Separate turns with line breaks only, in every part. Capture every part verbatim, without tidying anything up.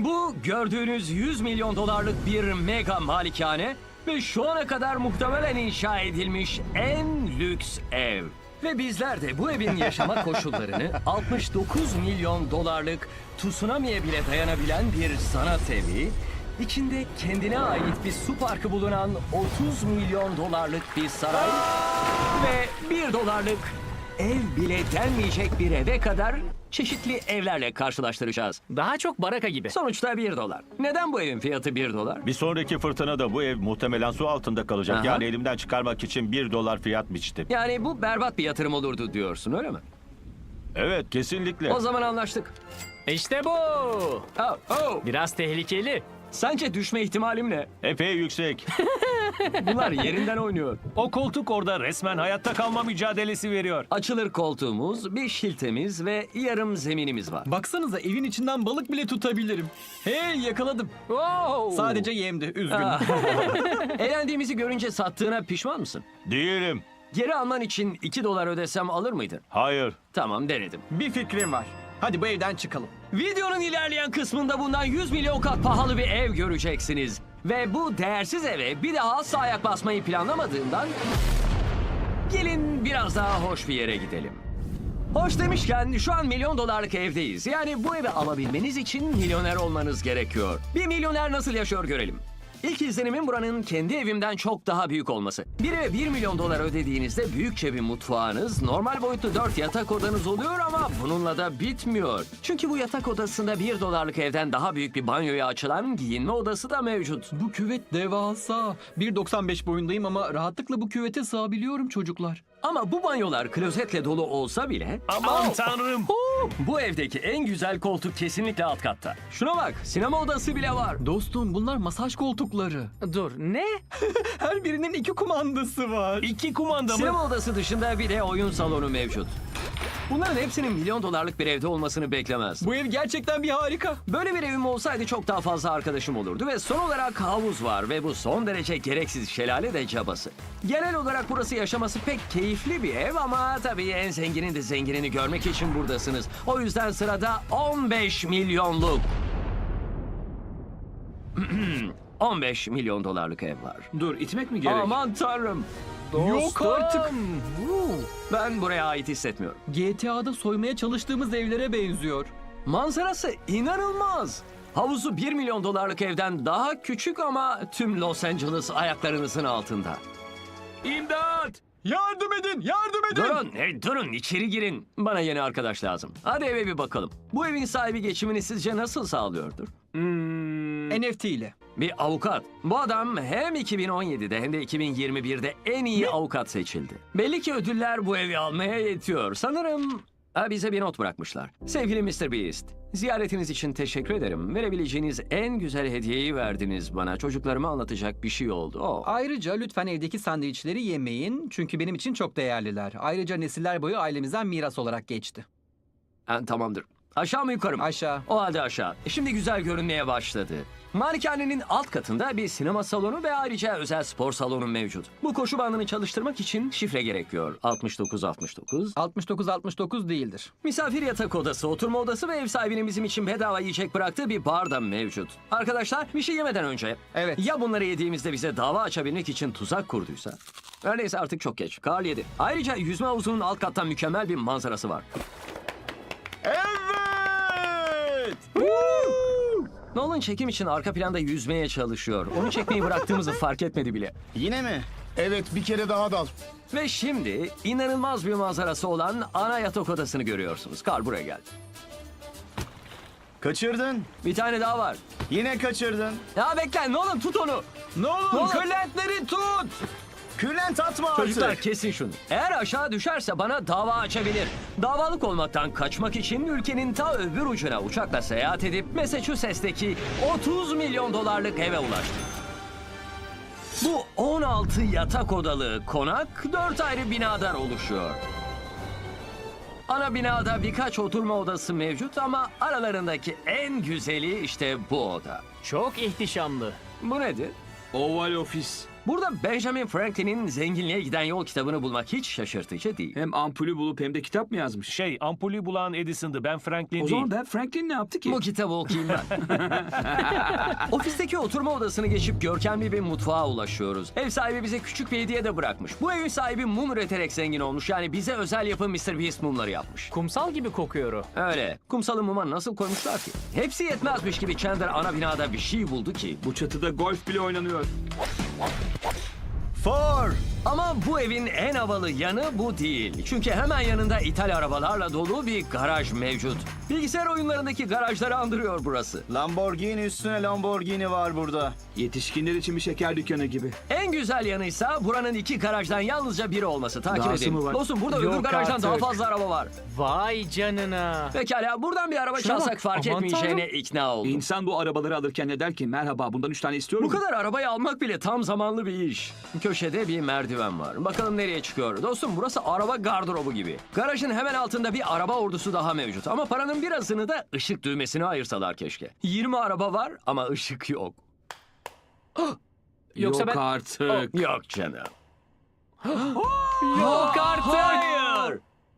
Bu gördüğünüz yüz milyon dolarlık bir mega malikane ve şu ana kadar muhtemelen inşa edilmiş en lüks ev. Ve bizler de bu evin yaşama koşullarını altmış dokuz milyon dolarlık tsunami'ye bile dayanabilen bir sanat evi, içinde kendine ait bir su parkı bulunan otuz milyon dolarlık bir saray ve bir dolarlık ev bile denmeyecek bir eve kadar çeşitli evlerle karşılaştıracağız.
Daha çok baraka gibi.
Sonuçta bir dolar. Neden bu evin fiyatı bir dolar?
Bir sonraki fırtınada bu ev muhtemelen su altında kalacak.
Aha.
Yani elimden çıkarmak için bir dolar fiyat biçtim.
Yani bu berbat bir yatırım olurdu diyorsun, öyle mi?
Evet, kesinlikle.
O zaman anlaştık.
İşte bu.
Oh, oh.
Biraz tehlikeli.
Sence düşme ihtimalim ne?
Epey yüksek.
Bunlar yerinden oynuyor.
O koltuk orada resmen hayatta kalma mücadelesi veriyor.
Açılır koltuğumuz, bir şiltemiz ve yarım zeminimiz var.
Baksanıza evin içinden balık bile tutabilirim. Hey yakaladım.
Wow.
Sadece yemdi. Üzgünüm.
Ah. Eğlendiğimizi görünce sattığına pişman mısın?
Değilim.
Geri alman için iki dolar ödesem alır mıydın?
Hayır.
Tamam, denedim.
Bir fikrim var. Hadi bu evden çıkalım.
Videonun ilerleyen kısmında bundan yüz milyon kat pahalı bir ev göreceksiniz. Ve bu değersiz eve bir daha asla ayak basmayı planlamadığımdan gelin biraz daha hoş bir yere gidelim. Hoş demişken şu an milyon dolarlık evdeyiz. Yani bu evi alabilmeniz için milyoner olmanız gerekiyor. Bir milyoner nasıl yaşıyor görelim. İlk izlenimin buranın kendi evimden çok daha büyük olması. Bir eve bir milyon dolar ödediğinizde büyükçe bir mutfağınız, normal boyutlu dört yatak odanız oluyor ama bununla da bitmiyor. Çünkü bu yatak odasında bir dolarlık evden daha büyük bir banyoya açılan giyinme odası da mevcut.
Bu küvet devasa. bir doksan beş boyundayım ama rahatlıkla bu küvete sığabiliyorum çocuklar.
Ama bu banyolar klozetle dolu olsa bile...
Aman tanrım.
Bu evdeki en güzel koltuk kesinlikle alt katta. Şuna bak, sinema odası bile var.
Dostum bunlar masaj koltukları.
Dur, ne?
Her birinin iki kumandası var.
İki kumanda mı?
Sinema odası dışında bir de oyun salonu mevcut. Bunların hepsinin milyon dolarlık bir evde olmasını beklemez.
Bu ev gerçekten bir harika.
Böyle bir evim olsaydı çok daha fazla arkadaşım olurdu ve son olarak havuz var ve bu son derece gereksiz şelale de cabası. Genel olarak burası yaşaması pek keyifli bir ev ama tabii en zenginin de zenginini görmek için buradasınız. O yüzden sırada on beş milyonluk... on beş milyon dolarlık ev var.
Dur, itmek mi gerek?
Aman tanrım.
Yok artık.
Ben buraya ait hissetmiyorum.
G T A'da soymaya çalıştığımız evlere benziyor.
Manzarası inanılmaz. Havuzu bir milyon dolarlık evden daha küçük ama tüm Los Angeles ayaklarınızın altında.
İmdat!
Yardım edin, yardım edin.
Durun, hey, durun içeri girin. Bana yeni arkadaş lazım. Hadi eve bir bakalım. Bu evin sahibi geçimini sizce nasıl sağlıyordur?
N F T ile.
Bir avukat. Bu adam hem iki bin on yedide hem de iki bin yirmi birde en iyi avukat seçildi. Belli ki ödüller bu evi almaya yetiyor. Sanırım ha, bize bir not bırakmışlar. Sevgili mister Beast, ziyaretiniz için teşekkür ederim. Verebileceğiniz en güzel hediyeyi verdiniz bana. Çocuklarıma anlatacak bir şey oldu. Oh.
Ayrıca lütfen evdeki sandviçleri yemeyin çünkü benim için çok değerliler. Ayrıca nesiller boyu ailemizden miras olarak geçti.
Ha, tamamdır. Aşağı mı yukarı mı?
Aşağı.
O halde aşağı. Şimdi güzel görünmeye başladı. Malikanenin alt katında bir sinema salonu ve ayrıca özel spor salonu mevcut. Bu koşu bandını çalıştırmak için şifre gerekiyor. altmış dokuz altmış dokuz.
altmış dokuz altmış dokuz değildir.
Misafir yatak odası, oturma odası ve ev sahibinin bizim için bedava yiyecek bıraktığı bir bar da mevcut. Arkadaşlar bir şey yemeden önce...
Evet.
Ya bunları yediğimizde bize dava açabilmek için tuzak kurduysa? Öyleyse artık çok geç. Karl yedi. Ayrıca yüzme havuzunun alt kattan mükemmel bir manzarası var.
Evet!
Nolan çekim için arka planda yüzmeye çalışıyor. Onu çekmeyi bıraktığımızı fark etmedi bile.
Yine mi? Evet, bir kere daha dal.
Ve şimdi inanılmaz bir manzarası olan ana yatak odasını görüyorsunuz. Karl buraya geldi.
Kaçırdın.
Bir tane daha var.
Yine kaçırdın.
Ya bekle Nolan, tut onu.
Nolan,
Nolan.
kırlentleri tut.
Kürlent atma artık.
Çocuklar kesin şunu. Eğer aşağı düşerse bana dava açabilir. Davalık olmaktan kaçmak için ülkenin ta öbür ucuna uçakla seyahat edip Massachusetts'teki otuz milyon dolarlık eve ulaştı. Bu on altı yatak odalı konak dört ayrı binadan oluşuyor. Ana binada birkaç oturma odası mevcut ama aralarındaki en güzeli işte bu oda.
Çok ihtişamlı.
Bu nedir?
Oval ofis.
Burada Benjamin Franklin'in Zenginliğe Giden Yol kitabını bulmak hiç şaşırtıcı değil.
Hem ampulü bulup hem de kitap mı yazmış?
Şey, ampulü bulan Edison'dı. Ben Franklin
O
değil.
zaman ben Franklin ne yaptı ki?
Bu kitabı okuyayım ben. Ofisteki oturma odasını geçip görkemli bir mutfağa ulaşıyoruz. Ev sahibi bize küçük bir hediye de bırakmış. Bu evin sahibi mum üreterek zengin olmuş. Yani bize özel yapım mister Beast mumları yapmış.
Kumsal gibi kokuyor o.
Öyle. Kumsalı muma nasıl koymuşlar ki? Hepsi yetmezmiş gibi Chandler ana binada bir şey buldu ki.
Bu çatıda golf bile oynanıyor.
Four.
Ama bu evin en havalı yanı bu değil. Çünkü hemen yanında ithal arabalarla dolu bir garaj mevcut. Bilgisayar oyunlarındaki garajları andırıyor burası.
Lamborghini üstüne Lamborghini var burada.
Yetişkinler için bir şeker dükkanı gibi.
En güzel yanıysa buranın iki garajdan yalnızca biri olması. Takip
Dahası
edin.
mı var?
Dostum burada
Yok
öbür garajdan
artık.
daha fazla araba var.
Vay canına.
Pekala buradan bir araba
Şuna
çalsak
bak,
fark
aman
etmeyeceğine ikna oldum.
İnsan bu arabaları alırken ne der ki? Merhaba, bundan üç tane istiyorum.
Bu kadar arabayı almak bile tam zamanlı bir iş. Köşede bir merdiven var. Bakalım nereye çıkıyor. Dostum burası araba gardırobu gibi. Garajın hemen altında bir araba ordusu daha mevcut. Ama paranın birazını da ışık düğmesine ayırsalar keşke. yirmi araba var ama ışık yok.
Yoksa
Yok
ben-
artık.
Yok canım.
Yok artık.
Hayır.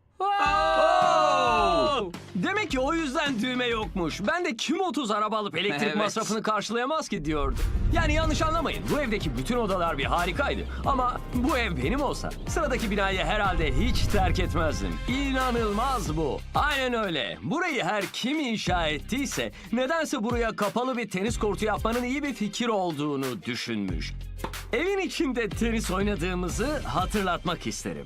Oo! Demek ki o yüzden düğme yokmuş. Ben de kim otuz araba alıp elektrik
Evet.
masrafını karşılayamaz ki diyordum. Yani yanlış anlamayın. Bu evdeki bütün odalar bir harikaydı. Ama bu ev benim olsa sıradaki binayı herhalde hiç terk etmezdim. İnanılmaz bu. Aynen öyle. Burayı her kim inşa ettiyse nedense buraya kapalı bir tenis kortu yapmanın iyi bir fikir olduğunu düşünmüş. Evin içinde tenis oynadığımızı hatırlatmak isterim.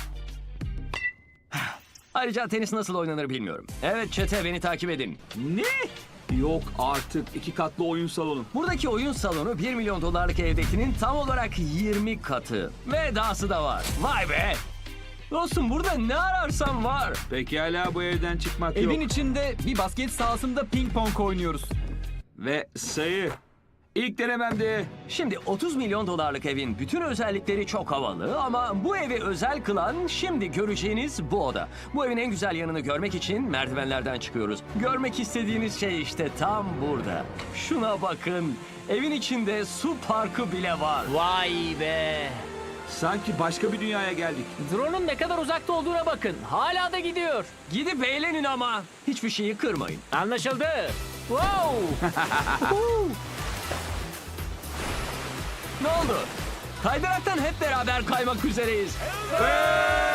Ayrıca tenis nasıl oynanır bilmiyorum. Evet çete beni takip edin.
Ne? Yok artık. İki katlı oyun salonu.
Buradaki oyun salonu bir milyon dolarlık evdekinin tam olarak yirmi katı. Ve dahası da var. Vay be! Dostum burada ne ararsan var.
Pekala, bu evden çıkmak
Evin
yok.
içinde bir basket sahasında ping pong oynuyoruz.
Ve sayı. İlk denememde.
Şimdi otuz milyon dolarlık evin bütün özellikleri çok havalı ama bu evi özel kılan şimdi göreceğiniz bu oda. Bu evin en güzel yanını görmek için merdivenlerden çıkıyoruz. Görmek istediğiniz şey işte tam burada. Şuna bakın. Evin içinde su parkı bile var.
Vay be.
Sanki başka bir dünyaya geldik.
Drone'un ne kadar uzakta olduğuna bakın. Hala da gidiyor.
Gidip eğlenin ama. Hiçbir şeyi kırmayın.
Anlaşıldı. Wow.
Ne oldu? Kaydıraktan hep beraber kaymak üzereyiz. Evet,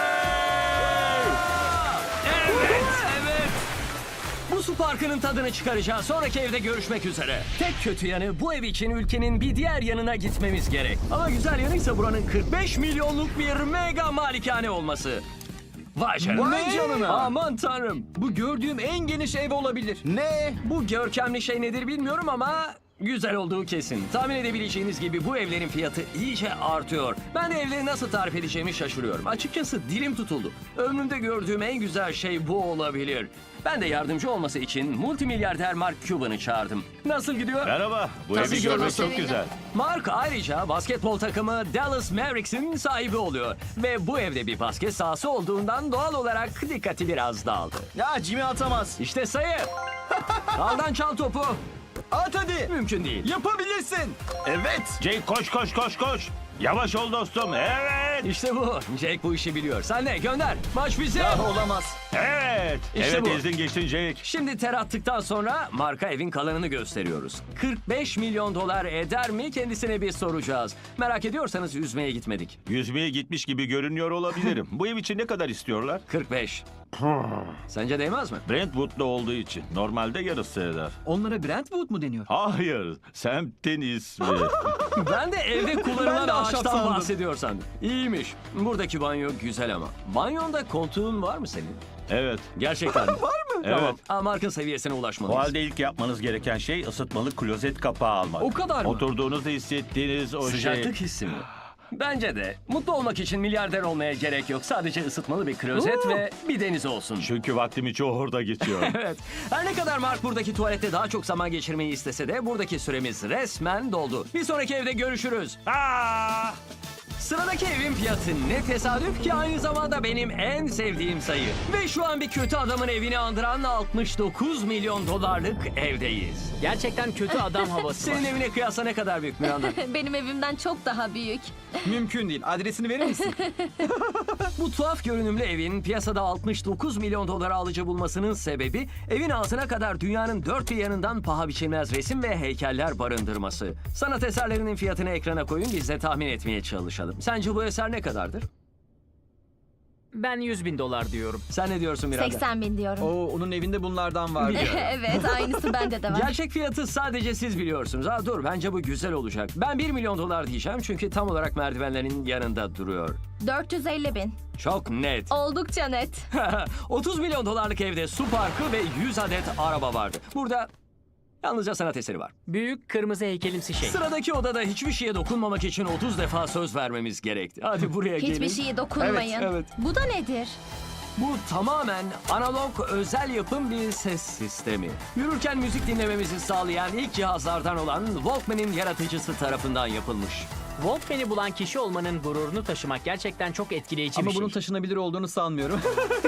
evet. Bu su parkının tadını çıkaracağız. Sonraki evde görüşmek üzere. Tek kötü yanı bu ev için ülkenin bir diğer yanına gitmemiz gerek. Ama güzel yanıysa buranın kırk beş milyonluk bir mega malikane olması. Vay canına.
Vay canına.
Aman tanrım.
Bu gördüğüm en geniş ev olabilir.
Ne?
Bu görkemli şey nedir bilmiyorum ama güzel olduğu kesin. Tahmin edebileceğiniz gibi bu evlerin fiyatı iyice artıyor. Ben de evleri nasıl tarif edeceğimi şaşırıyorum. Açıkçası dilim tutuldu. Ömrümde gördüğüm en güzel şey bu olabilir. Ben de yardımcı olması için multimilyarder Mark Cuban'ı çağırdım. Nasıl gidiyor?
Merhaba. Bu
Tabii
evi
ki
görmek
nasıl?
çok güzel.
Mark ayrıca basketbol takımı Dallas Mavericks'in sahibi oluyor. Ve bu evde bir basket sahası olduğundan doğal olarak dikkati biraz dağıldı.
Ya Jimmy atamaz.
İşte sayı. Aldan çal topu.
At hadi.
Mümkün değil.
Yapabilirsin. Evet.
Jake koş koş koş koş. Yavaş ol dostum. Evet.
İşte bu. Jake bu işi biliyor. Sen de gönder. Maç bize.
Ya olamaz.
Evet.
İşte
evet
bu.
ezdin geçtin Jake.
Şimdi ter attıktan sonra marka evin kalanını gösteriyoruz. kırk beş milyon dolar eder mi kendisine bir soracağız. Merak ediyorsanız yüzmeye gitmedik.
Yüzmeye gitmiş gibi görünüyor olabilirim. Bu ev için ne kadar istiyorlar?
kırk beş. Sence değmez mi?
Brentwood'da olduğu için. Normalde yarısı eder.
Onlara Brentwood mu deniyor?
Hayır. Semtin ismi.
Ben de evde kullanılan
Ben de ahşap
ağaçtan
sandım.
bahsediyor sandım. İyiymiş. Buradaki banyo güzel ama. Banyonda koltuğun var mı senin?
Evet.
Gerçekten mi?
Evet.
Aa, Mark'ın seviyesine
O
ulaşmalıyız.
halde ilk yapmanız gereken şey ısıtmalı klozet kapağı almak.
O kadar mı?
Oturduğunuzda hissettiğiniz o
Sıcaklık
şey.
hissi mi? Bence de. Mutlu olmak için milyarder olmaya gerek yok. Sadece ısıtmalı bir klozet ve bir deniz olsun.
Çünkü vaktimi çoğu orada geçiyor.
Evet. Her ne kadar Mark buradaki tuvalette daha çok zaman geçirmeyi istese de buradaki süremiz resmen doldu. Bir sonraki evde görüşürüz.
Aa!
Sıradaki evin fiyatı ne tesadüf ki aynı zamanda benim en sevdiğim sayı. Ve şu an bir kötü adamın evini andıran altmış dokuz milyon dolarlık evdeyiz.
Gerçekten kötü adam havası var.
Senin evine kıyasla ne kadar büyük Miranda?
Benim evimden çok daha büyük.
Mümkün değil. Adresini verir misin?
Bu tuhaf görünümlü evin piyasada altmış dokuz milyon dolara alıcı bulmasının sebebi evin altına kadar dünyanın dört bir yanından paha biçilmez resim ve heykeller barındırması. Sanat eserlerinin fiyatını ekrana koyun biz de tahmin etmeye çalışalım. Sence bu eser ne kadardır?
Ben yüz bin dolar diyorum.
Sen ne diyorsun Miranda?
seksen bin diyorum.
Oo, onun evinde bunlardan var.
Evet, aynısı bende de var.
Gerçek fiyatı sadece siz biliyorsunuz. Ha dur bence bu güzel olacak. Ben bir milyon dolar diyeceğim çünkü tam olarak merdivenlerin yanında duruyor.
dört yüz elli bin.
Çok net.
Oldukça net.
otuz milyon dolarlık evde su parkı ve yüz adet araba vardı. Burada yalnızca sanat eseri var.
Büyük kırmızı heykelimsi şey.
Sıradaki odada hiçbir şeye dokunmamak için otuz defa söz vermemiz gerekti. Hadi buraya gelin.
Hiçbir şeye dokunmayın.
Evet, evet.
Bu da nedir?
Bu tamamen analog özel yapım bir ses sistemi. Yürürken müzik dinlememizi sağlayan ilk cihazlardan olan Walkman'in yaratıcısı tarafından yapılmış.
Walkman'i bulan kişi olmanın gururunu taşımak gerçekten çok etkileyici
Ama
bir şey.
bunun taşınabilir olduğunu sanmıyorum.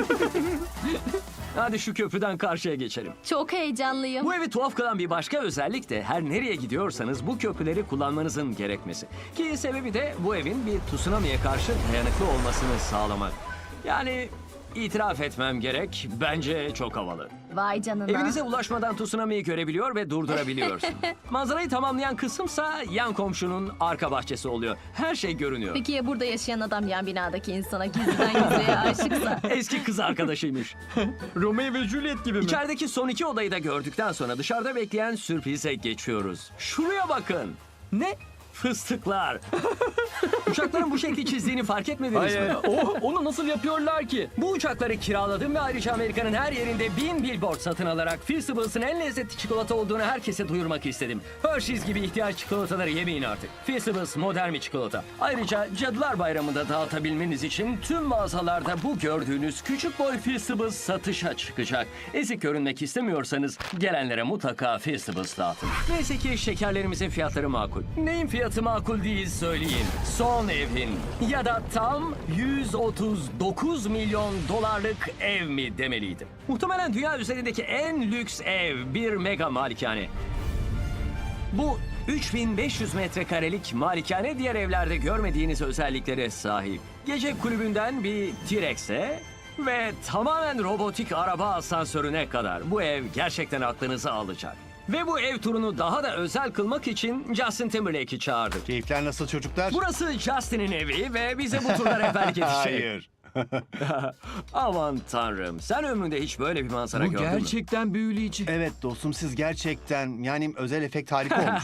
Hadi şu köprüden karşıya geçelim.
Çok heyecanlıyım.
Bu evi tuhaf kılan bir başka özellik de her nereye gidiyorsanız bu köprüleri kullanmanızın gerekmesi. Ki sebebi de bu evin bir tsunami'ye karşı dayanıklı olmasını sağlamak. Yani itiraf etmem gerek, bence çok havalı.
Vay canına.
Evinize ulaşmadan tsunami'yi görebiliyor ve durdurabiliyorsun. Manzarayı tamamlayan kısımsa yan komşunun arka bahçesi oluyor. Her şey görünüyor.
Peki ya burada yaşayan adam yan binadaki insana gizliden gizliye aşıksa?
Eski kız arkadaşıymış.
Romeo ve Juliet gibi mi?
İçerideki son iki odayı da gördükten sonra dışarıda bekleyen sürprize geçiyoruz. Şuraya bakın.
Ne?
Fıstıklar. Uçakların bu şekli çizdiğini fark etmediniz mi?
O, onu nasıl yapıyorlar ki?
Bu uçakları kiraladım ve ayrıca Amerika'nın her yerinde bin billboard satın alarak Feastables'ın en lezzetli çikolata olduğunu herkese duyurmak istedim. Hershey's gibi ihtiyaç çikolataları yemeyin artık. Feastables modern bir çikolata. Ayrıca Cadılar Bayramı'nda dağıtabilmeniz için tüm mağazalarda bu gördüğünüz küçük boy Feastables satışa çıkacak. Ezik görünmek istemiyorsanız gelenlere mutlaka Feastables dağıtın. Neyse ki şekerlerimizin fiyatları makul. Neyin fiyatı makul değil söyleyin. Son evin ya da tam yüz otuz dokuz milyon dolarlık ev mi demeliydim. Muhtemelen dünya üzerindeki en lüks ev bir mega malikane. Bu üç bin beş yüz metrekarelik malikane diğer evlerde görmediğiniz özelliklere sahip. Gece kulübünden bir T-Rex'e ve tamamen robotik araba asansörüne kadar bu ev gerçekten aklınızı alacak. Ve bu ev turunu daha da özel kılmak için Justin Timberlake'i çağırdık.
Keyifler nasıl çocuklar?
Burası Justin'in evi ve bize bu turda rehberlik edecek.
Hayır.
Aman tanrım, sen ömründe hiç böyle bir manzara
Bu
gördün mü?
gerçekten büyüleyici.
Evet dostum siz gerçekten yani özel efekt harika olmuş.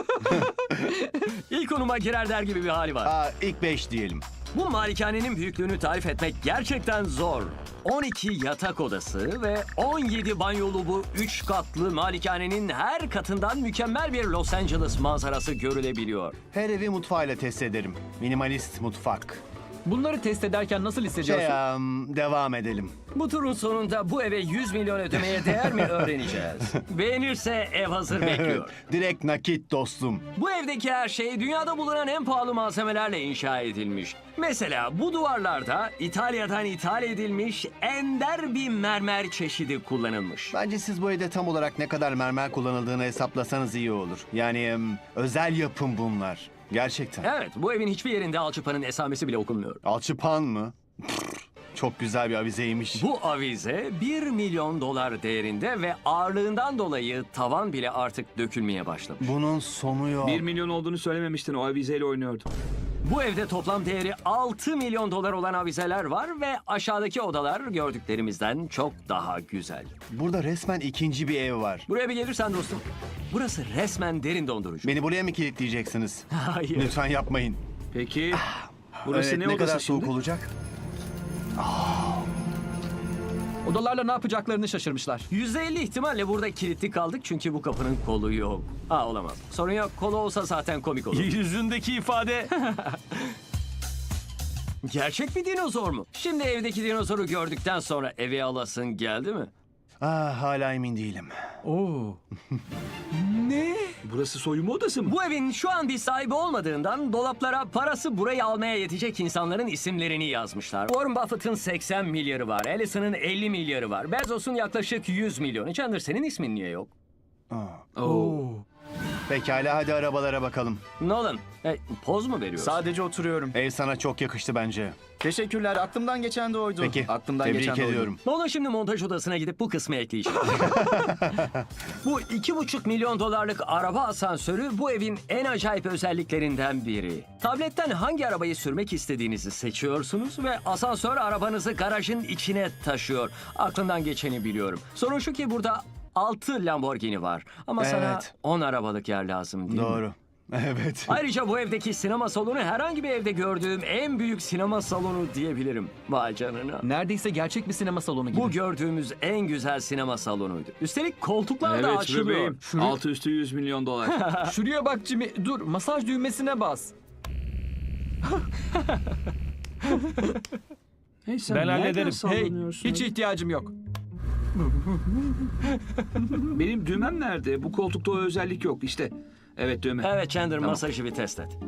İlk konuma girer der gibi bir hali var.
Aa, ilk beş diyelim.
Bu malikanenin büyüklüğünü tarif etmek gerçekten zor. on iki yatak odası ve on yedi banyolu bu üç katlı malikanenin her katından mükemmel bir Los Angeles manzarası görülebiliyor.
Her evi mutfağıyla test ederim. Minimalist mutfak.
Bunları test ederken nasıl
Şey,
hissediyorsun?
um, devam edelim.
Bu turun sonunda bu eve yüz milyon ödemeye değer mi öğreneceğiz. Beğenirse ev hazır bekliyor.
Direkt nakit dostum.
Bu evdeki her şey dünyada bulunan en pahalı malzemelerle inşa edilmiş. Mesela bu duvarlarda İtalya'dan ithal edilmiş ender bir mermer çeşidi kullanılmış.
Bence siz bu evde tam olarak ne kadar mermer kullanıldığını hesaplasanız iyi olur. Yani um, özel yapım bunlar. Gerçekten.
Evet, bu evin hiçbir yerinde alçıpanın esamesi bile okunmuyor.
Alçıpan mı? Pff, çok güzel bir avizeymiş.
Bu avize bir milyon dolar değerinde ve ağırlığından dolayı tavan bile artık dökülmeye başlamış.
Bunun sonu yok.
Bir milyon olduğunu söylememiştin, o avizeyle oynuyordum.
Bu evde toplam değeri altı milyon dolar olan avizeler var ve aşağıdaki odalar gördüklerimizden çok daha güzel.
Burada resmen ikinci bir ev var.
Buraya bir gelirsen dostum, burası resmen derin dondurucu.
Beni buraya mı kilitleyeceksiniz?
Hayır.
Lütfen yapmayın.
Peki, burası
Evet,
ne,
ne
odası
kadar
şimdi?
soğuk olacak?
Odalarla ne yapacaklarını şaşırmışlar.
yüzde elli ihtimalle burada kilitli kaldık çünkü bu kapının kolu yok. Aa olamaz. Sorun yok, kolu olsa zaten komik olur.
Yüzündeki ifade.
Gerçek bir dinozor mu? Şimdi evdeki dinozoru gördükten sonra eve alasın geldi mi?
Ah, hala emin değilim.
Oo.
Burası soyunma odası mı?
Bu evin şu an bir sahibi olmadığından dolaplara parası burayı almaya yetecek insanların isimlerini yazmışlar. Warren Buffett'ın seksen milyarı var, Allison'ın elli milyarı var, Bezos'un yaklaşık yüz milyonu. Chandler, senin ismin niye yok?
Oo.
Pekala, hadi arabalara bakalım.
Nolan, e, poz mu veriyorsun?
Sadece oturuyorum.
Ev sana çok yakıştı bence.
Teşekkürler. Aklımdan geçen de oydu.
Peki,
Aklımdan
tebrik
geçen de oydu.
ediyorum.
Nolan şimdi montaj odasına gidip bu kısmı ekleyecek. Bu iki buçuk milyon dolarlık araba asansörü bu evin en acayip özelliklerinden biri. Tabletten hangi arabayı sürmek istediğinizi seçiyorsunuz ve asansör arabanızı garajın içine taşıyor. Aklımdan geçeni biliyorum. Sorun şu ki burada altı Lamborghini var. Ama sana
Evet.
on arabalık yer lazım değil mi?
Doğru. Evet.
Ayrıca bu evdeki sinema salonu herhangi bir evde gördüğüm en büyük sinema salonu diyebilirim. Vay canına.
Neredeyse gerçek bir sinema salonu gibi.
Bu gördüğümüz en güzel sinema salonuydu. Üstelik koltuklar da
Evet
açılıyor.
bebeğim.
Şuraya-
Altı üstü yüz milyon dolar.
Şuraya bak Jimmy. Dur, masaj düğmesine bas.
Hey, sen
Ben
nereden
hallederim.
Hey,
sallanıyorsun?
hiç ihtiyacım yok.
Benim düğmem nerede? Bu koltukta o özellik yok işte. Evet düğme.
Evet Chandler, masajı bir test et.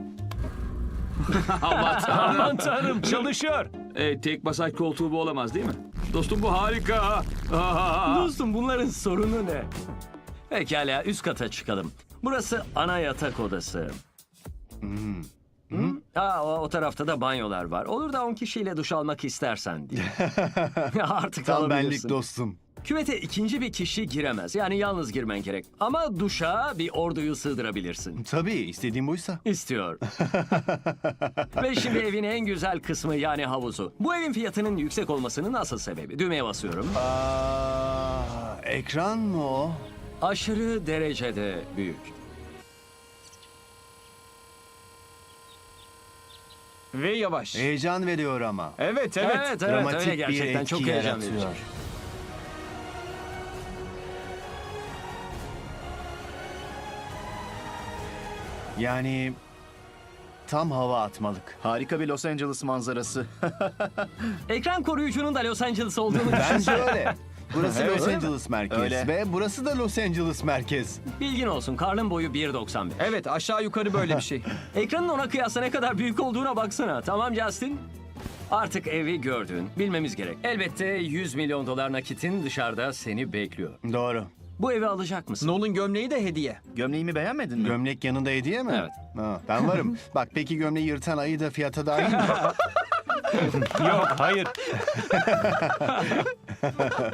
Aman tanrım.
Aman tanrım, çalışıyor.
Evet, tek masaj koltuğu bu olamaz değil mi? Dostum bu harika. Aa!
Dostum, bunların sorunu ne? Pekala, üst kata çıkalım. Burası ana yatak odası. Hı? Aa, o, o tarafta da banyolar var. Olur da on kişiyle duş almak istersen diye. Artık
Tam benlik
alabilirsin.
dostum.
Küvete ikinci bir kişi giremez. Yani yalnız girmen gerek. Ama duşa bir orduyu sığdırabilirsin.
Tabii, istediğim buysa.
İstiyor. Ve şimdi evin en güzel kısmı, yani havuzu. Bu evin fiyatının yüksek olmasının asıl sebebi. Düğmeye basıyorum.
Aa, ekran mı o?
Aşırı derecede büyük.
Ve yavaş.
Heyecan veriyor ama.
Evet, evet.
Evet, evet,
Dramatik
öyle
bir
gerçekten.
etki
Çok heyecan
yaratıyor.
verici.
Yani tam hava atmalık.
Harika bir Los Angeles manzarası.
Ekran koruyucunun da Los Angeles olduğunu
Bence öyle. Burası
Evet,
Los
öyle mi?
Angeles merkez
Öyle.
ve burası da Los Angeles merkez.
bilgin olsun. Karl'ın boyu bir doksan beş.
Evet, aşağı yukarı böyle bir şey.
Ekranın ona kıyasla ne kadar büyük olduğuna baksana. Tamam Justin? Artık evi gördün. Bilmemiz gerek. Elbette yüz milyon dolar nakitin dışarıda seni bekliyor.
Doğru.
Bu evi alacak mısın?
Nolan gömleği de hediye.
Gömleğimi beğenmedin mi?
Gömlek yanında hediye mi?
Evet.
Ha, ben varım. Bak peki gömleği yırtan ayı da fiyata dahil mi?
Yok, hayır.